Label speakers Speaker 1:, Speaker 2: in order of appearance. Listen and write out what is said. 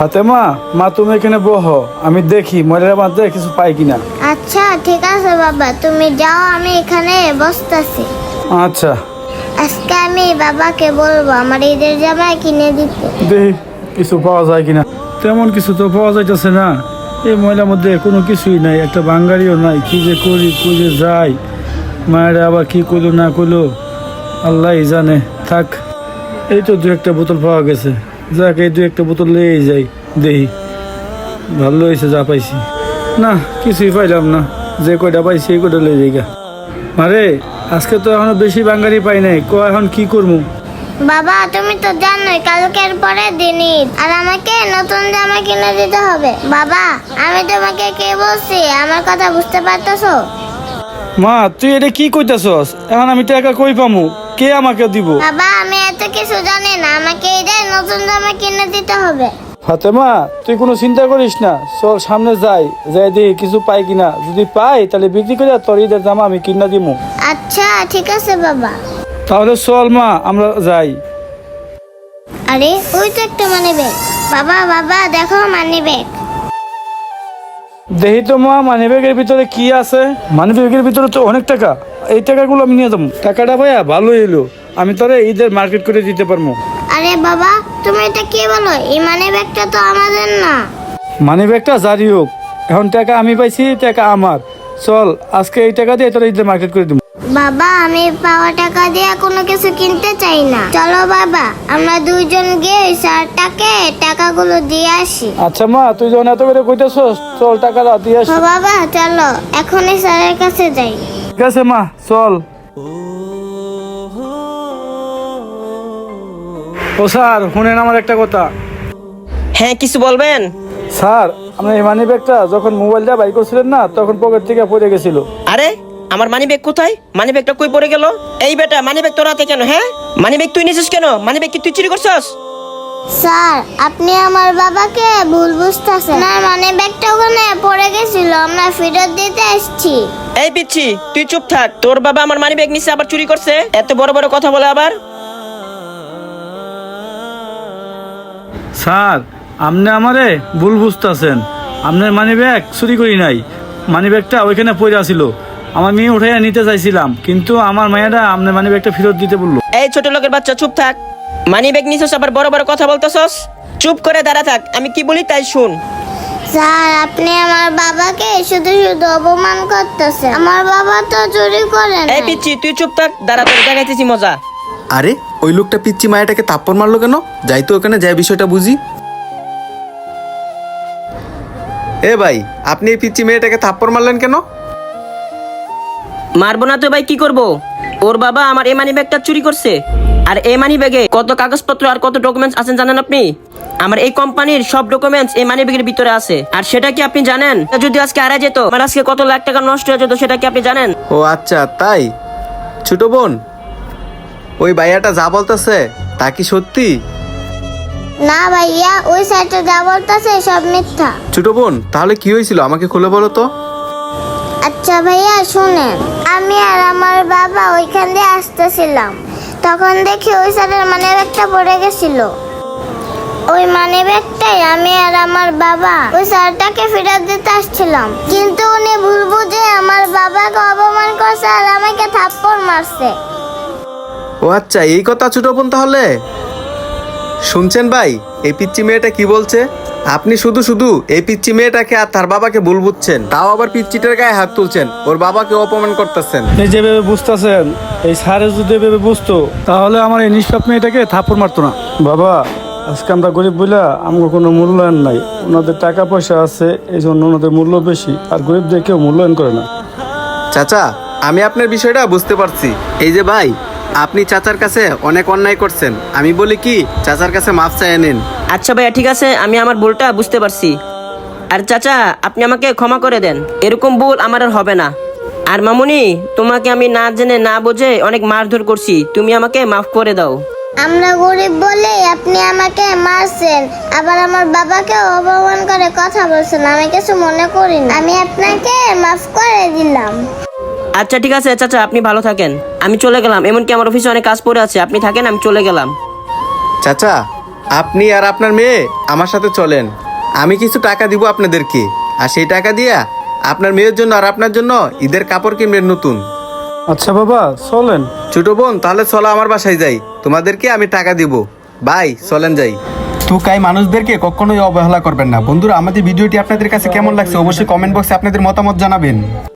Speaker 1: ফাতেমা, মা তুমি এখানে বহো, আমি দেখি ময়লার মধ্যে কিছু পাই কিনা।
Speaker 2: আচ্ছা ঠিক আছে বাবা, তুমি যাও, আমি এখানে বসতেছি।
Speaker 1: আচ্ছা।
Speaker 2: আজকে আমি বাবাকে বলবো আমার ঈদের জামা কিনে দিতে।
Speaker 1: দেখি কিছু পাওয়া যায় কিনা। তেমন কিছু তো পাওয়া যাইতেছে না, এই ময়লার মধ্যে কোনো কিছুই নাই, একটা বাঙ্গারিও নাই। কি যে করি, কই যে যাই, মায়ের আবার কি করলো না করলো আল্লাহ জানে। থাক, এই তো দু একটা বোতল পাওয়া গেছে, যাক এই দু একটা বোতল লেই যাই। দেখি, ভালো হয়েছে যা পাইছি। না কিছুই পাইলাম না, যে কয়টা পাইছি এই কয়টা লেই যাই গা। আরে আজকে তো এখনো বেশি বাঙ্গারি পাই নাই, এখন কি করবো?
Speaker 2: বাবা তুমি তো জানোই কালকের পরে দিন ঈদ, আর আমাকে নতুন জামা কিনে দিতে হবে। বাবা আমি তোমাকে কে বলছি, আমার কথা বুঝতে পারতেছো?
Speaker 1: মা তুই এটা কি কইতাছস? এখন আমি টাকা কই পামু? কে আমাকে দিব?
Speaker 2: বাবা আমি এত কিছু জানি না, আমাকে ঈদের নতুন জামা কিনে দিতে হবে।
Speaker 1: ফাতেমা তুই কোনো চিন্তা করিস না, চল সামনে যাই, যাই দেখি কিছু পাই কিনা। যদি পাই তাহলে বিক্রি করে তোর ঈদের জামা আমি কিনা দিমু।
Speaker 2: আচ্ছা ঠিক আছে বাবা।
Speaker 1: তাহলে চল মা, আমরা যাই।
Speaker 2: আরে ওই তো একটা মানি ব্যাগ। বাবা বাবা দেখো মানি ব্যাগ।
Speaker 1: দেখি তো মা, মানিব্যাগের ভিতরে কি আছে। মানিব্যাগের ভিতরে তো অনেক টাকা, এই টাকাগুলো আমি নিয়ে যাবো। টাকাটা ভাইয়া ভালো এলো, আমি তোরে ঈদের মার্কেট করে দিতে পারবো।
Speaker 2: আরে বাবা তুমি এটা কি বলো, এই মানি ব্যাগটা তো আমাদের না।
Speaker 1: মানিব্যাগটা জারি হোক, এখন টাকা আমি পাইছি, টাকা আমার। চল আজকে এই টাকা দিয়ে তোরা ঈদের মার্কেট করে দেবো।
Speaker 2: বাবা আমি পাওয়া টাকা দিয়ে কোনো কিছু কিনতে চাই না। চলো বাবা আমরা দুইজন গিয়ে ওই স্যারটাকে টাকাগুলো দিয়ে আসি।
Speaker 1: আচ্ছা মা, তুই যখন এত করে কইতেছস, চল টাকাটা দিয়ে আসি।
Speaker 2: ও বাবা চলো এখনই স্যারের কাছে যাই।
Speaker 1: ঠিক আছে মা, চল। ও স্যার শুনেন আমার একটা কথা।
Speaker 3: হ্যাঁ কিছু বলবেন?
Speaker 1: স্যার আপনার এই মানি ব্যাগটা যখন মোবাইলটা বাই করছিলেন না, তখন পকেট থেকে পড়ে গেছিল।
Speaker 3: আরে আমার মানি ব্যাগ কোথায়? মানি ব্যাগটা কই পড়ে গেল? এই বেটা মানি ব্যাগ তোর হাতে কেন? হ্যাঁ মানি ব্যাগ তুই নিছিস কেন? মানি ব্যাগ কি তুই চুরি করছস?
Speaker 2: স্যার আপনি আমার বাবাকে ভুল বুঝতেছেন, না মানে ব্যাগটা ওখানে পড়ে গেছিল, আমরা ফেরত দিতে আসছি।
Speaker 3: এই পিচ্ছি তুই চুপ থাক, তোর বাবা আমার মানি ব্যাগ নিছে আবার চুরি করছে? এত বড় বড় কথা বলে আবার।
Speaker 1: স্যার আপনি আমারে ভুল বুঝতেছেন, আপনার মানি ব্যাগ চুরি করি নাই। মানি ব্যাগটা ওইখানে পড়ে আছিল, আমার মেয়ে উঠাইয়া নিতে চাইছিলাম, কিন্তু আমার মায়েরা আপনার মানি ব্যাগটা ফেরত দিতে বললো।
Speaker 3: এই ছোট লোকের বাচ্চা চুপ থাক, মানি ব্যাগ নিছস আবার বড় বড় কথা বলতেছস? চুপ করে দাঁড়া থাক, আমি কি বলি তাই শুন।
Speaker 2: স্যার আপনি আমার বাবাকে শুধু শুধু অপমান করতেছেন, আমার বাবা তো চুরি করে না।
Speaker 3: এই পিচ্ছি তুই চুপ থাক, দাঁড়া তোর দেখাইতেছি মজা।
Speaker 4: আরে ওই লোকটা পিচ্চি মায়াটাকে থাপ্পড় মারলো কেন? যাই তো ওখানে, যাই বিষয়টা বুঝি। এ ভাই, আপনি এই পিচ্চি মেয়েটাকে থাপ্পড় মারলেন কেন?
Speaker 3: মারবো না তো ভাই, কি করব? ওর বাবা আমার এই মানি ব্যাগটা চুরি করছে, আর এই মানি ব্যাগে কত কাগজপত্র আর কত ডকুমেন্টস আছেন জানেন আপনি? আমার এই কোম্পানির সব ডকুমেন্টস এই মানি ব্যাগের ভিতরে আছে। আর সেটা কি আপনি জানেন? যদি আজকে হারিয়ে যেত, আমার আজকে কত লাখ টাকা নষ্ট হয়ে যেত, সেটা কি আপনি জানেন?
Speaker 4: ও আচ্ছা তাই। ছোট বোন, ওই ভাইয়াটা যা বলতেছে তা কি সত্যি?
Speaker 2: না ভাইয়া, ওই সাইডে যা বলতেছে সব মিথ্যা।
Speaker 4: ছোট বোন তাহলে কি হয়েছিল আমাকে খুলে বলো তো।
Speaker 2: আচ্ছা ভাইয়া শুনেন, আমি আর আমার বাবা ওইখান দিয়ে আসতেছিলাম, তখন দেখি ওই সাইডের মানি ব্যাগটা পড়ে গেছিল। ওই মানি ব্যাগটাই আমি আর আমার বাবা ওই স্যারটাকে ফেরত দিতে আসছিলাম, কিন্তু উনি ভুল বুঝে আমার বাবাকে অপমান করছে আর আমাকে থাপ্পড় মারছে।
Speaker 4: ও আচ্ছা এই কথা ছোট বোন। তাহলে শুনছেন ভাই, এই পিচ্চি মেয়েটা কি বলছে? আপনি শুধু শুধু এই পিচ্চি মেয়েটাকে আর তার বাবাকে ভুল বুঝছেন, তাও আবার পিচ্চিটার গায়ে হাত তুলছেন, ওর বাবাকে অপমান করতেছেন।
Speaker 1: এই যেভাবে বুঝতেছেন, এই স্যারে যদি এভাবে বুঝতো তাহলে আমার এই নিষ্পাপ মেয়েটাকে থাপ্পড় মারতো না। বাবা আজকে আমরা গরিব বইলা আমাকে কোনো মূল্যায়ন নাই, ওনাদের টাকা পয়সা আছে এই জন্য ওনাদের মূল্য বেশি, আর গরিবদের কেউ মূল্যায়ন করে না।
Speaker 4: চাচা আমি আপনার বিষয়টা বুঝতে পারছি। এই যে ভাই, আপনি চাচার কাছে অনেক অন্যায় করছেন, আমি বলি কি চাচার কাছে মাফ চাইয়ে নিন।
Speaker 3: আচ্ছা ভাইয়া ঠিক আছে, আমি আমার ভুলটা বুঝতে পারছি। আর চাচা আপনি আমাকে ক্ষমা করে দেন, এরকম ভুল আমার আর হবে না। আর মামুনি, তোমাকে আমি না জেনে না বুঝে অনেক মারধর করছি, তুমি আমাকে মাফ করে দাও।
Speaker 2: আমরা গরিব বলে আপনি আমাকে মারছেন, আবার আমার বাবাকে অপমান করে কথা বলছেন, আমি কিছু মনে করি না, আমি আপনাকে মাফ করে দিলাম।
Speaker 3: আচ্ছা ঠিক আছে চাচা, আপনি ভালো থাকেন, আমি চলে গেলাম। এমনকি আমার অফিসে অনেক কাজ পড়ে আছে, আপনি থাকেন, আমি চলে গেলাম।
Speaker 4: চাচা আপনি আর আপনার মেয়ে আমার সাথে চলেন, আমি কিছু টাকা দিব আপনাদেরকে, আর সেই টাকা দিয়া আপনার মেয়ের জন্য আর আপনার জন্য ঈদের কাপড় কিনবেন নতুন।
Speaker 1: আচ্ছা বাবা চলেন।
Speaker 4: ছোট বোন তাহলে চলো আমার বাসায় যাই, তোমাদেরকে আমি টাকা দিব। ভাই চলেন যাই। তুকাই মানুষদেরকে কখনোই অবহেলা করবেন না। বন্ধুরা, আমাদের ভিডিওটি আপনাদের কাছে কেমন লাগছে অবশ্যই কমেন্ট বক্সে আপনাদের মতামত জানাবেন।